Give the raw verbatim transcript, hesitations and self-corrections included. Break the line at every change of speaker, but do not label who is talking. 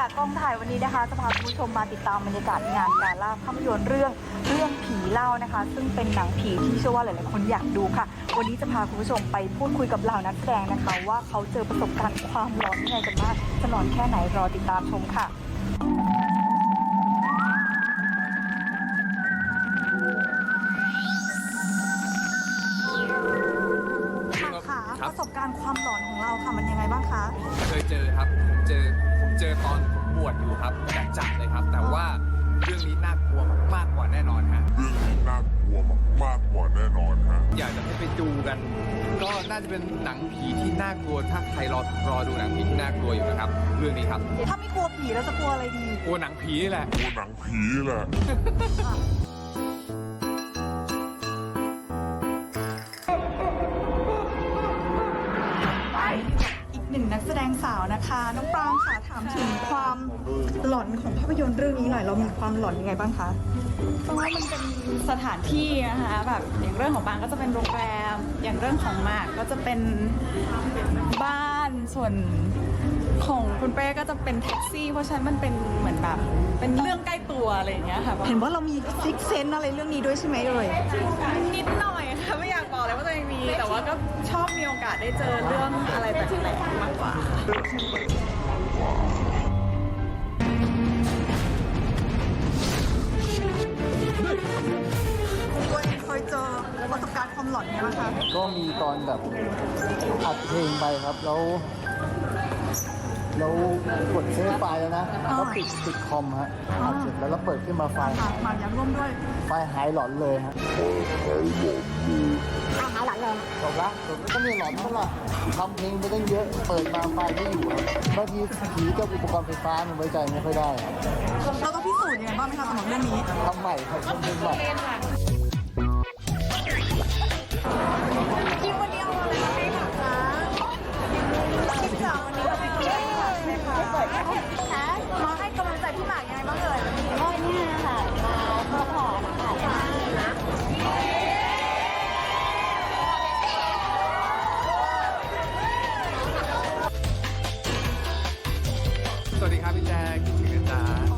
จากกองถ่ายวันนี้นะคะจะพาคุณผู้ชมมาติดตามบรรยากาศงานการล่าภาพยนตร์เรื่องเรื่องผีเล่านะคะซึ่งเป็นหนังผีที่เชื่อว่าหลายๆคนอยากดูค่ะวันนี้จะพาคุณผู้ชมไปพูดคุยกับเหล่านักแสดงนะคะว่าเขาเจอประสบการณ์ความหลอนยังไงกันบ้างจะหลอนแค่ไหนรอติดตามชมค่ะค่ะประสบการณ์ความหลอนของเราค่ะมันยังไงบ้างคะ
เคยเจอครับผมเจอผมเจอตอนผมบวชอยู่ครับแบบจัดเลยครับแต่ว่าเรื่องนี้น่ากลัวมากกว่าแน่นอนฮะ
เรื่องนี้น่ากลัวมากกว่าแน่นอนฮะ
อยากจะให้ไปดูกันก็น่าจะเป็นหนังผีที่น่ากลัวถ้าใครรอรอดูหนังผีที่น่ากลัวอยู่นะครับเรื่องนี้ครับ
ถ้าไม่กลัวผีแล้วจะกลัวอะไรดี
กลัวหนังผีนี่แหละ
กลัวหนังผีแหละ
อีกหนึ่งนักแสดงสาวนะคะน้องปรางค่ะถามถึงความหลอนของภาพยนตร์เรื่องนี้หน่อยเรามีความหลอนยังไงบ้างคะ
เพราะว่ามันเป็นสถานที่นะคะแบบอย่างเรื่องของบางก็จะเป็นโรงแรมอย่างเรื่องของหมากก็จะเป็นบ้านส่วนของคุณเป้ก็จะเป็นแท็กซี่เพราะฉะนั้นมันเป็นเหมือนแบบเป็นเรื่องใกล้ตัวอะไรอย่างเงี้ยค่ะ
เห็นว่าเรามีซิกเซนอะไรเรื่องนี้ด้วยใช่ไหมเอ่ย
นิดหน่อยค่ะไม่อยากบอกเลยว่าตัวเองมีแต่ว่าก็ชอบมีโอกาสได้เจอเรื่องอะไรแปลกๆมากกว่า
เคยเจอประสบการณ์ความหลอนไหมคะ
ก็มีตอนแบบอัดเพลงไปครับแล้วแล้วกดเซฟไฟล์แล้วนะก็ปิดปิดคอมฮะอัดเสร็จแล้วแล้วเปิดขึ้นมาไฟล์
มาอยากร่วมด้วย
ไฟล์หายหลอนเลยฮะ
หายหลอนเลย
จบละจบก็มีหลอนเท่าไหร่ทำเพลงไปตั้งเยอะเปิดมาไฟล์ไม่อยู่บางทีผีกับอุปกรณ์ไฟฟ้ามันไว้ใจไม่ค่อยได้
เราต้องพิสูจน์ยังไงบ้างไหมคะสำหรับเรื่องนี้
ทำใหม่ครับทำเพลงใหม่
คิววันนี้เอาอะไรมาให้ค่ะคะคิวจ๋าวันนี้เราเป็นใครค่ะใช่ไหมคะมาให้กำลังใจพี่หมากยังไงบ้างเอ่ย
ก็เนี่ยค่ะมาซัพพอร์ตค่ะ
สวัสดีครับพี่แจ๊คคิดถึงนะจ๊ะ